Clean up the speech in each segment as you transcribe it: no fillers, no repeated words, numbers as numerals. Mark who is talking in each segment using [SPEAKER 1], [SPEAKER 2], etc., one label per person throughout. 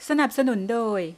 [SPEAKER 1] สนับสนุนโดย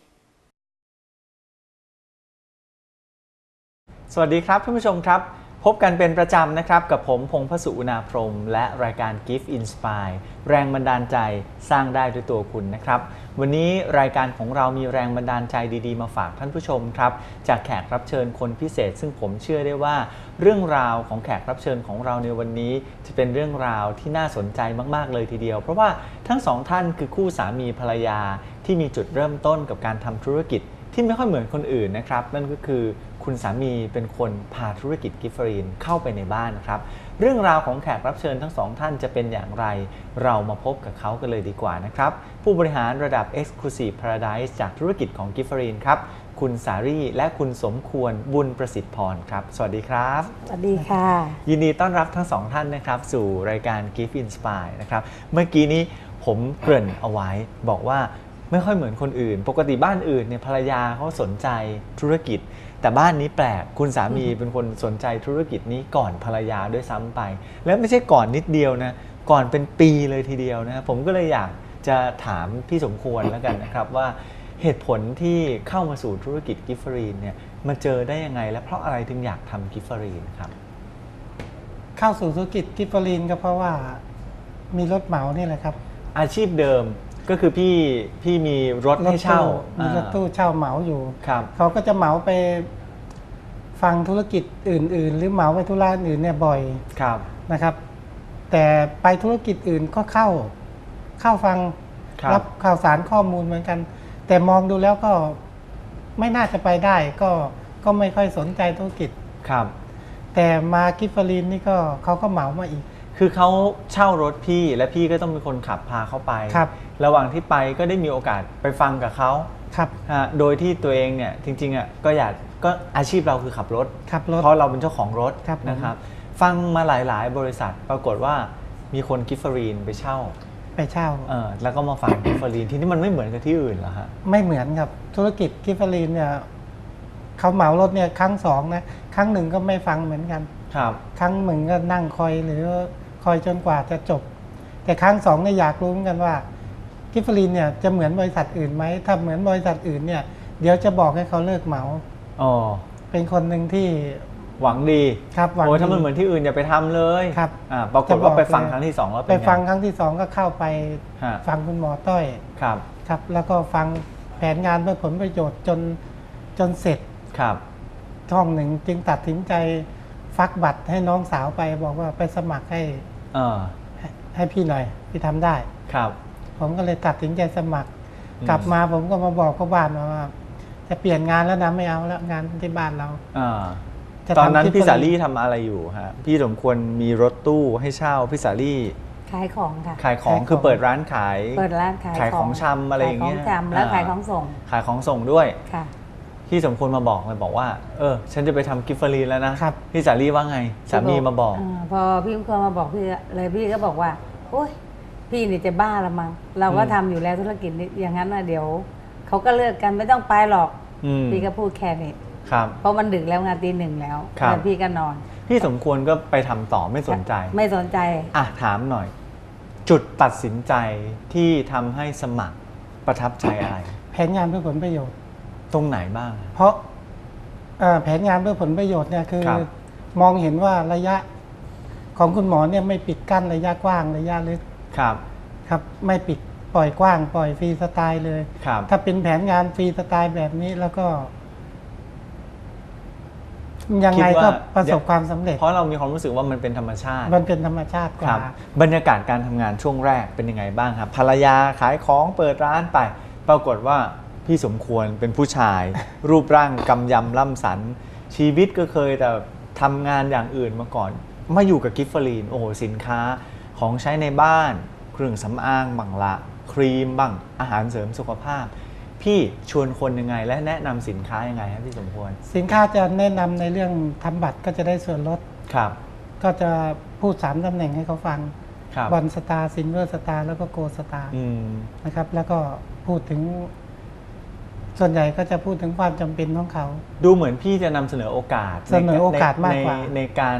[SPEAKER 2] สวัสดีครับท่านผู้ชมครับพบกันเป็นประจำนะครับกับผมพงษ์พสุอุณาพรหมและรายการ Gift Inspire แรงบันดาลใจสร้างได้ด้วยตัวคุณนะครับวันนี้รายการของเรามีแรงบันดาลใจดีๆมาฝากท่านผู้ชมครับจากแขกรับเชิญคนพิเศษซึ่งผมเชื่อได้ว่าเรื่องราวของแขกรับเชิญของเราในวันนี้จะเป็นเรื่องราวที่น่าสนใจมากๆเลยทีเดียวเพราะว่าทั้งสองท่านคือคู่สามีภรรยาที่มีจุดเริ่มต้นกับการทำธุรกิจที่ไม่ค่อยเหมือนคนอื่นนะครับนั่นก็คือคุณสามีเป็นคนพาธุรกิจกิฟเฟอรีนเข้าไปในบ้านนะครับเรื่องราวของแขกรับเชิญทั้งสองท่านจะเป็นอย่างไรเรามาพบกับเขากันเลยดีกว่านะครับผู้บริหารระดับ Exclusive Paradise จากธุรกิจของกิฟเฟอรีนครับคุณสารีและคุณสมควรบุญประสิทธิ์พรครับสวัสดีครับ
[SPEAKER 3] สวัสดีค่ะ
[SPEAKER 2] ยินดีต้อนรับทั้งสองท่านนะครับสู่รายการ Gift Inspire นะครับเมื่อกี้นี้ผมเกริ่นเอาไว้บอกว่าไม่ค่อยเหมือนคนอื่นปกติบ้านอื่นเนี่ยภรรยาเขาสนใจธุรกิจแต่บ้านนี้แปลกคุณสามีเป็นคนสนใจธุรกิจนี้ก่อนภรรยาด้วยซ้ำไปแล้วไม่ใช่ก่อนนิดเดียวนะก่อนเป็นปีเลยทีเดียวนะผมก็เลยอยากจะถามพี่สมควรแล้วกันนะครับว่าเหตุผลที่เข้ามาสู่ธุรกิจกิฟเฟอรีนเนี่ยมาเจอได้ยังไงและเพราะอะไรถึงอยากทำกิฟเฟอรีนครับ
[SPEAKER 3] เข้าสู่ธุรกิจกิฟเฟอรีนก็เพราะว่ามีรถเหมานี่แหละครับ
[SPEAKER 2] อาชีพเดิมก็คือพี่มีรถให้เช่า
[SPEAKER 3] มีรถตู้เช่าเหมาอยู่
[SPEAKER 2] ครับ
[SPEAKER 3] เขาก็จะเหมาไปฟังธุรกิจอื่นๆหรือเหมาไปธุระอื่นเนี่ยบ่อย
[SPEAKER 2] ครับ
[SPEAKER 3] นะครับแต่ไปธุรกิจอื่นก็เข้าฟังรับข่าวสารข้อมูลเหมือนกันแต่มองดูแล้วก็ไม่น่าจะไปได้ก็ไม่ค่อยสนใจธุรกิจ
[SPEAKER 2] ครับ
[SPEAKER 3] แต่มากิฟเฟอรีนนี่ก็เขาก็เหมามาอีก
[SPEAKER 2] คือเขาเช่ารถพี่และพี่ก็ต้องเป็นคนขับพาเขาไประหว่างที่ไปก็ได้มีโอกาสไปฟังกับเขา
[SPEAKER 3] ครับ
[SPEAKER 2] โดยที่ตัวเองเนี่ยจริงๆก็อาชีพเราคือขับรถเพราะเราเป็นเจ้าของรถนะครับฟังมาหลายๆบริษัทปรากฏว่ามีคนกิฟเฟอรีนไปเช่าแล้วก็มาฟังกิฟเฟอรีนที่นี่มันไม่เหมือนกับที่อื่นเหรอฮะ
[SPEAKER 3] ไม่เหมือนครับธุรกิจกิฟเฟอรีนเนี่ยเขาเหมารถเนี่ยครั้งสองนะครั้งหนึ่งก็ไม่ฟังเหมือนกันครั้งหนึ่งก็นั่งคอยหรือคอยจนกว่าจะจบแต่ครั้งสองเนี่ยอยากรู้เหมือนกันว่ากิฟเฟอรีนเนี่ยจะเหมือนบริษัทอื่นไหมถ้าเหมือนบริษัทอื่นเนี่ยเดี๋ยวจะบอกให้เขาเลิกเหมาเป็นคนหนึ่งที่
[SPEAKER 2] หวังดี
[SPEAKER 3] ครับหวังดี
[SPEAKER 2] ถ้ามันเหมือนที่อื่นอย่าไปทำเลย
[SPEAKER 3] ครับ
[SPEAKER 2] ปรากฏว่าไปฟังครั้งที่สองแล้ว
[SPEAKER 3] ไปฟังครั้งที่สองก็เข้าไปฟังคุณหมอต้อยครับแล้วก็ฟังแผนงานเพื่อผลประโยชน์จนเสร็จช่องหนึ่งจึงตัดสินใจฟักบัตรให้น้องสาวไปบอกว่าไปสมัครให้พี่หน่อยพี่ทำได้ผมก็เลยตัดสินใจสมัครกลับมาผมก็มาบอกกับบ้านว่าจะเปลี่ยนงานแล้วนะไม่เอาแล้วงานที่บ้านเรา
[SPEAKER 2] ตอนนั้นพี่สาลี่ทำอะไรอยู่ฮะพี่สมควรมีรถตู้ให้เช่าพี่สาลี่
[SPEAKER 4] ขายของค่ะ
[SPEAKER 2] ขายของคือเปิดร้านขาย
[SPEAKER 4] ขาย
[SPEAKER 2] ของชำอะไรอย่างเงี้ย
[SPEAKER 4] ขายของชำแล้วขายของส่ง
[SPEAKER 2] ด้วย
[SPEAKER 4] ค่ะ
[SPEAKER 2] พี่สมควรมาบอกเลยบอกว่าฉันจะไปทำกิฟเฟอรีนแล้วนะพี่สาลี่ว่าไงสามีมาบอก
[SPEAKER 4] พอพี่สมควรมาบอกพี่ก็บอกว่าโอ๊ยพี่นี่จะบ้าละมั้งเราก็ทำอยู่แล้วธุรกิจนี้อย่างนั้นนะเดี๋ยวเขาก็เลิกกันไม่ต้องไปหรอกพี่ก็พูดแค่นี้เพราะมันดึกแล้วงานตีหนึ่งแล้วแล้วพี่ก็นอน
[SPEAKER 2] พี่สมควรก็ไปทำต่อไม่สนใจถามหน่อยจุดตัดสินใจที่ทำให้สมัครประทับใจอะไร
[SPEAKER 3] แผนงานเพื่อผลประโยชน์
[SPEAKER 2] ตรงไหนบ้าง
[SPEAKER 3] เพราะแผนงานเพื่อผลประโยชน์เนี่ยคือมองเห็นว่าระยะของคุณหมอเนี่ยไม่ปิดกั้นระยะกว้างระยะลึกครับไม่ปิดปล่อยกว้างปล่อยฟรีสไตล์เลยถ้าเป็นแผนงานฟรีสไตล์แบบนี้แล้วก็ยังไงก็ประสบความสำเร็จ
[SPEAKER 2] เพราะเรามีความรู้สึกว่ามันเป็นธรรมชาติ
[SPEAKER 3] กว่า
[SPEAKER 2] บรรยากาศการทำงานช่วงแรกเป็นยังไงบ้างครับภรรยาขายของเปิดร้านไปปรากฏว่าพี่สมควรเป็นผู้ชายรูปร่างกำยำล่ำสันชีวิตก็เคยแต่ทำงานอย่างอื่นมาก่อนมาอยู่กับกิฟเฟอรีนโอ้โหสินค้าของใช้ในบ้านเครื่องสำอางบังละครีมบ้างอาหารเสริมสุขภาพพี่ชวนคนยังไงและแนะนำสินค้ายังไงครับพี่สมควร
[SPEAKER 3] สินค้าจะแนะนำในเรื่องทำบัตรก็จะได้ส่วนลดก็จะพูด3ตำแหน่งให้เขาฟังบอลสตาร์ซิลเวอร์สตาร์แล้วก็โกลด์สตาร์นะครับแล้วก็พูดถึงส่วนใหญ่ก็จะพูดถึงความจำเป็นของเขา
[SPEAKER 2] ดูเหมือนพี่จะนำเสนอโอกาส
[SPEAKER 3] มากกว่า
[SPEAKER 2] ในการ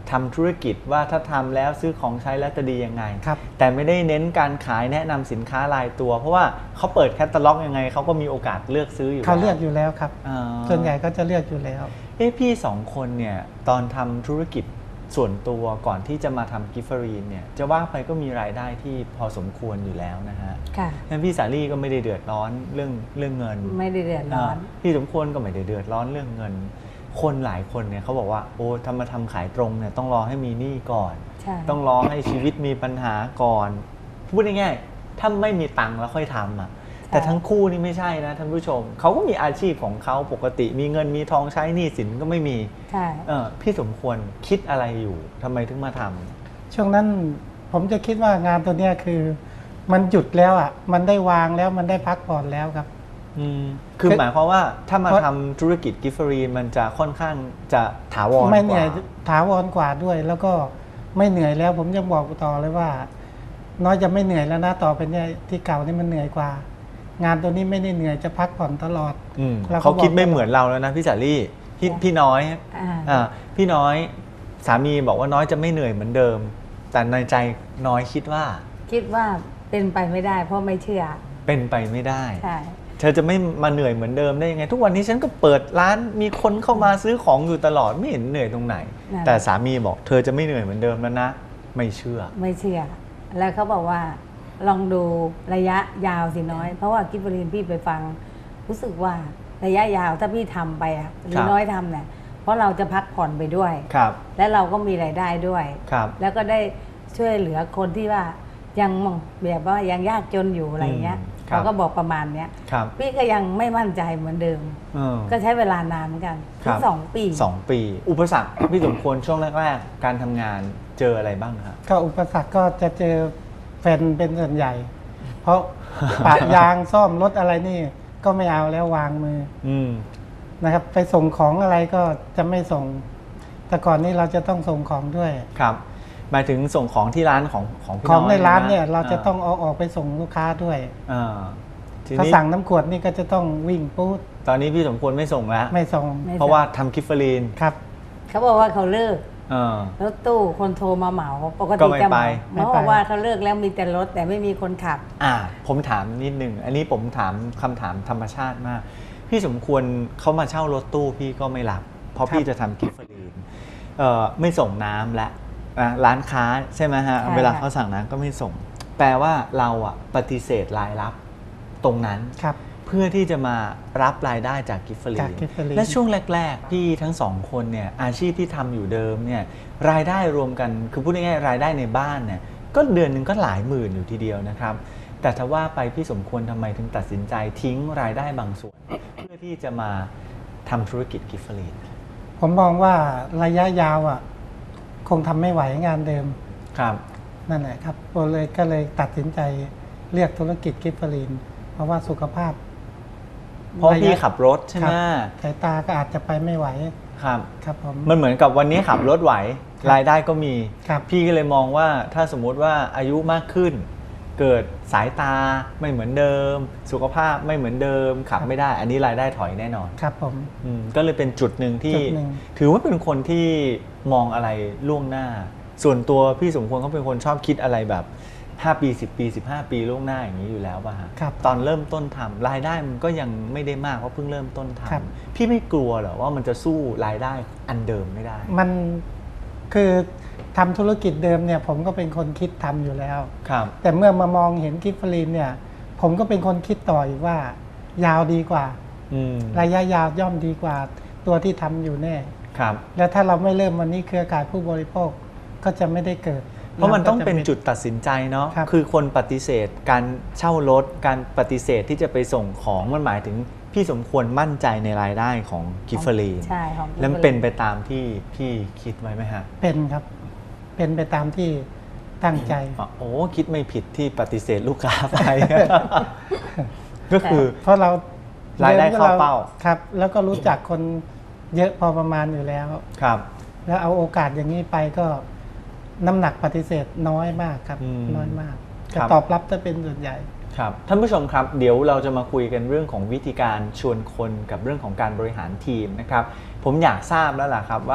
[SPEAKER 2] ทำธุรกิจว่าถ้าทำแล้วซื้อของใช้แล้วจะดียังไง
[SPEAKER 3] ครับ
[SPEAKER 2] แต่ไม่ได้เน้นการขายแนะนำสินค้ารายตัว เพราะว่าเขาเปิดแคตตาล็อกยังไงเขาก็มีโอกาสเลือกซื้ออยู่
[SPEAKER 3] เขาเลือกอยู่แล้วครับ
[SPEAKER 2] อ๋อ
[SPEAKER 3] ส่วนใหญ่ก็จะเลือกอยู่แล้ว
[SPEAKER 2] พี่สองคนเนี่ยตอนทำธุรกิจส่วนตัวก่อนที่จะมาทำกิฟเฟอรีนเนี่ยจะว่าไปก็มีรายได้ที่พอสมควรอยู่แล้วนะฮะ
[SPEAKER 4] ค่ะ
[SPEAKER 2] งั้นพี่สาลี่ก็ไม่ได้เดือดร้อนเรื่องเงิน
[SPEAKER 4] ไม่ได้เดือดร้อน
[SPEAKER 2] พี่สมควรก็ไม่ได้เดือดร้อนเรื่องเงิน คนหลายคนเนี่ยเขาบอกว่าโอ้ทำมาทำขายตรงเนี่ยต้องรอให้มีหนี้ก่อน
[SPEAKER 4] ใช่
[SPEAKER 2] ต้องรอให้ชีวิตมีปัญหาก่อนพูดง่ายๆถ้าไม่มีตังค์แล้วค่อยทำอ่ะแต่ทั้งคู่นี่ไม่ใช่นะท่านผู้ชมเขาก็มีอาชีพของเขาปกติมีเงินมีทองใช้หนี้สินก็ไม่มี
[SPEAKER 4] ใช่
[SPEAKER 2] พี่สมควรคิดอะไรอยู่ทำไมถึงมาทำ
[SPEAKER 3] ช่วงนั้นผมจะคิดว่างานตัวเนี้ยคือมันหยุดแล้วอ่ะมันได้วางแล้วมันได้พักผ่อนแล้วครับ
[SPEAKER 2] คือหมายความว่าถ้ามาทำธุรกิจกิฟเฟอรีนมันจะค่อนข้างจะถาวร
[SPEAKER 3] ไม่
[SPEAKER 2] ก
[SPEAKER 3] เหนื่
[SPEAKER 2] ว่า
[SPEAKER 3] อยถาวรกว่าด้วย แล้วก็ไม่เหนื่อยแล้ว ผมยังบอกต่อเลยว่า น้อยจะไม่เหนื่อยแล้วนะต่อไปเนี่ยที่เก่านี่มันเหนื่อยกว่า งานตัวนี้ไม่ได้เหนื่อยจะพักผ่อนตลอด แล้ว
[SPEAKER 2] เขาคิดไม่
[SPEAKER 3] บอก
[SPEAKER 2] เหมือนเราแล้วนะพี่สาลี่พี่น้อย พี่น้อยสามีบอกว่าน้อยจะไม่เหนื่อยเหมือนเดิม แต่ในใจน้อยคิดว่า
[SPEAKER 4] เป็นไปไม่ได้ เพราะไม่เชื่อ
[SPEAKER 2] เป็นไปไม่ได้
[SPEAKER 4] ใช่
[SPEAKER 2] เธอจะไม่มาเหนื่อยเหมือนเดิมได้ยังไง ทุกวันนี้ฉันก็เปิดร้านมีคนเข้ามาซื้อของอยู่ตลอดไม่เห็นเหนื่อยตรงไหน
[SPEAKER 4] นั่น
[SPEAKER 2] แต่สามีบอกเธอจะไม่เหนื่อยเหมือนเดิมแล้วนะไม่เชื่อ
[SPEAKER 4] ไม่เชื่อ แล้วเขาบอกว่าลองดูระยะยาวสิน้อย เพราะว่ากิฟเฟอรีนพี่ไปฟัง รู้สึกว่าระยะยาวถ้าพี่ทำไปอะหรือน้อยทำเนี่ยเพราะเราจะพักผ่อนไปด้วย
[SPEAKER 2] ครับ
[SPEAKER 4] และเราก็มีรายได้ด้วย
[SPEAKER 2] ครับ
[SPEAKER 4] แล้วก็ได้ช่วยเหลือคนที่ว่ายังแบบว่ายังยากจนอยู่อะไรเงี้ย
[SPEAKER 2] ครับ
[SPEAKER 4] เขาก็บอกประมาณเนี้ย
[SPEAKER 2] ครับ
[SPEAKER 4] พี่ก็ยังไม่มั่นใจเหมือนเดิม ก็ใช้เวลานานเหมือนกัน
[SPEAKER 2] ครั
[SPEAKER 4] ถึ
[SPEAKER 2] บ
[SPEAKER 4] ง2 ปี
[SPEAKER 2] 2 ปี อุปสรรคพี่สมควรช่วงแรกๆ การทำงานเจออะไรบ้างครับ
[SPEAKER 3] ก็อุปสรรคก็จะเจอแฟนเป็นส่วนใหญ่ เพราะ ปะยางซ่อมรถอะไรนี่ก็ไม่เอาแล้ววางมือ นะครับ ไปส่งของอะไรก็จะไม่ส่ง แต่ก่อนนี้เราจะต้องส่งของด้วย
[SPEAKER 2] ครับหมายถึงส่งของที่ร้านของพี่
[SPEAKER 3] ของในร้าน
[SPEAKER 2] ะ
[SPEAKER 3] เนี่ยเราจะต้องเอาออกไปส่งลูกค้าด้วย
[SPEAKER 2] ที
[SPEAKER 3] ถ้า
[SPEAKER 2] นี้
[SPEAKER 3] สั่งน้ำขวดนี่ก็จะต้องวิ่งปู๊ด
[SPEAKER 2] ตอนนี้พี่สมควรไม่ส่งแล้ว
[SPEAKER 3] ไม่ส่ง
[SPEAKER 4] ไม่
[SPEAKER 2] เพราะว่าทำกิฟเฟอรีน
[SPEAKER 3] ครับ
[SPEAKER 4] เขาบอกว่าเขาเลิก
[SPEAKER 2] เออ
[SPEAKER 4] รถตู้คนโทรมาเหมาปก
[SPEAKER 2] ก็
[SPEAKER 4] ติ
[SPEAKER 2] ไม่
[SPEAKER 4] จะเห
[SPEAKER 2] ไป
[SPEAKER 4] มาเขาบอกว่าเขาเลิกแล้วมีแต่รถแต่ไม่มีคนขับ
[SPEAKER 2] ผมถามนิดนึงอันนี้ผมถามคำถามธรรมชาติมาก พี่สมควรเขามาเช่ารถตู้พี่ก็ไม่รับ เพราะ
[SPEAKER 3] ครับ
[SPEAKER 2] พี่จะทำกิฟเฟอรีนไม่ส่งน้ำและร้านค้าใช่ไหมฮะ
[SPEAKER 4] ใช่
[SPEAKER 2] เวลา
[SPEAKER 4] ค่ะ
[SPEAKER 2] เขาสั่งน้ำก็ไม่ส่ง แปลว่าเราปฏิเสธรายรับตรงนั้น
[SPEAKER 3] ครับ
[SPEAKER 2] เพื่อที่จะมารับรายได้จากกิฟเฟอรี
[SPEAKER 3] จาก
[SPEAKER 2] น
[SPEAKER 3] กิฟเฟอรีน
[SPEAKER 2] และช่วงแรก ๆ พี่ทั้งสองคนเนี่ยอาชีพที่ทำอยู่เดิมเนี่ยรายได้รวมกันคือพูดง่ายๆรายได้ในบ้านเนี่ยก็เดือนหนึ่งก็หลายหมื่นอยู่ทีเดียวนะครับ แต่ถ้าว่าไปพี่สมควรทำไมถึงตัดสินใจทิ้งรายได้บางส่วน เพื่อที่จะมาทำธุรกิจกิฟเฟอรีน
[SPEAKER 3] ผมมองว่าระยะยาวอ่ะ คงทำไม่ไหวงานเดิม
[SPEAKER 2] ครับ
[SPEAKER 3] นั่นแหละครับก็เลยตัดสินใจเลือกธุรกิจกิฟเฟอรีน เพราะว่าสุขภาพ
[SPEAKER 2] เพราะพี่ขับรถใช่ไหม
[SPEAKER 3] สายตาก็อาจจะไปไม่ไหว
[SPEAKER 2] ครับ
[SPEAKER 3] ครับผม
[SPEAKER 2] มันเหมือนกับวันนี้ขับรถไหว
[SPEAKER 3] ครับ
[SPEAKER 2] รายได้ก็มี
[SPEAKER 3] ครับ
[SPEAKER 2] พี่ก็เลยมองว่าถ้าสมมุติว่าอายุมากขึ้น เกิดสายตาไม่เหมือนเดิม สุขภาพไม่เหมือนเดิม ขับไม่ได้ อันนี้รายได้ถอยแน่นอน
[SPEAKER 3] ครับผม
[SPEAKER 2] ก็เลยเป็นจุดหนึ่งที่
[SPEAKER 3] จุดหนึ่ง
[SPEAKER 2] ถือว่าเป็นคนที่มองอะไรล่วงหน้า ส่วนตัวพี่สมควรเขาเป็นคนชอบคิดอะไรแบบ5 ปี 10 ปี 15 ปีล่วงหน้าอย่างนี้อยู่แล้วป่ะฮะ
[SPEAKER 3] ครับ
[SPEAKER 2] ตอนเริ่มต้นทำรายได้มันก็ยังไม่ได้มากเพราะเพิ่งเริ่มต้นท
[SPEAKER 3] ครับ
[SPEAKER 2] ำพี่ไม่กลัวเหรอว่ามันจะสู้รายได้อันเดิมไม่ได้
[SPEAKER 3] มันคือทำธุรกิจเดิมเนี่ย ผมก็เป็นคนคิดทำอยู่แล้ว
[SPEAKER 2] ครับ
[SPEAKER 3] แต่เมื่อมามองเห็นกิฟเฟอรีนเนี่ย ผมก็เป็นคนคิดต่ออีกว่า ยาวดีกว่า ระยะยาวย่อมดีกว่าตัวที่ทำอยู่แน่
[SPEAKER 2] ครับ
[SPEAKER 3] แล้วถ้าเราไม่เริ่มวันนี้เครือข่ายผู้บริโภคก็จะไม่ได้เกิด
[SPEAKER 2] เพราะมันต้องเป็นจุดตัดสินใจเนาะ
[SPEAKER 3] ครับ
[SPEAKER 2] คือคนปฏิเสธการเช่ารถการปฏิเสธที่จะไปส่งของมันหมายถึงพี่สมควรมั่นใจในรายได้ของกิฟเฟอรีน
[SPEAKER 4] ใช่ของ
[SPEAKER 2] แล้วมันเป็นไปตามที่พี่คิดไว้ไหมฮะ
[SPEAKER 3] เป็นครับ เป็นไปตามที่ตั้งใจ
[SPEAKER 2] โอ้คิดไม่ผิดที่ปฏิเสธลูกค้าไป ก็คือ
[SPEAKER 3] เพราะเรา
[SPEAKER 2] รายได้เข้าเป้า
[SPEAKER 3] ครับ แล้วก็รู้จักคนเยอะพอประมาณอยู่แล้ว
[SPEAKER 2] ครับ
[SPEAKER 3] แล้วเอาโอกาสอย่างนี้ไปก็น้ำหนักปฏิเสธน้อยมากครับ น้อยมาก
[SPEAKER 2] ครั
[SPEAKER 3] จะ
[SPEAKER 2] บ
[SPEAKER 3] ตอบรับจะเป็นส่วนใหญ่
[SPEAKER 2] ครับท่านผู้ชมครับเดี๋ยวเราจะมาคุยกันเรื่องของวิธีการชวนคนกับเรื่องของการบริหารทีมนะครับผมอยากทราบแล้วล่ะครับว่า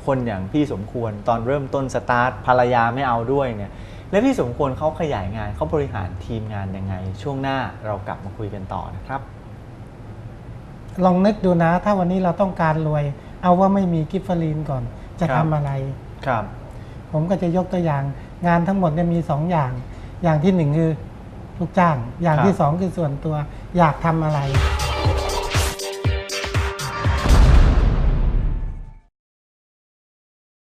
[SPEAKER 2] คนอย่างพี่สมควรตอนเริ่มต้นสตาร์ทภรรยาไม่เอาด้วยเนี่ยแล้วพี่สมควรเขาขยายงานเขาบริหารทีมงานยังไงช่วงหน้าเรากลับมาคุยกันต่อนะครับ
[SPEAKER 3] ลองนึกดูนะ ถ้าวันนี้เราต้องการรวย เอาว่าไม่มีกิฟเฟอรีนก่อนจะทำอะไร
[SPEAKER 2] ครับ
[SPEAKER 3] ผมก็จะยกตัวอย่างงานทั้งหมดเนี่ยมี2อย่างอย่างที่1คือลูกจ้างอย่างที่2คือส่วนตัวอยากทำอะไร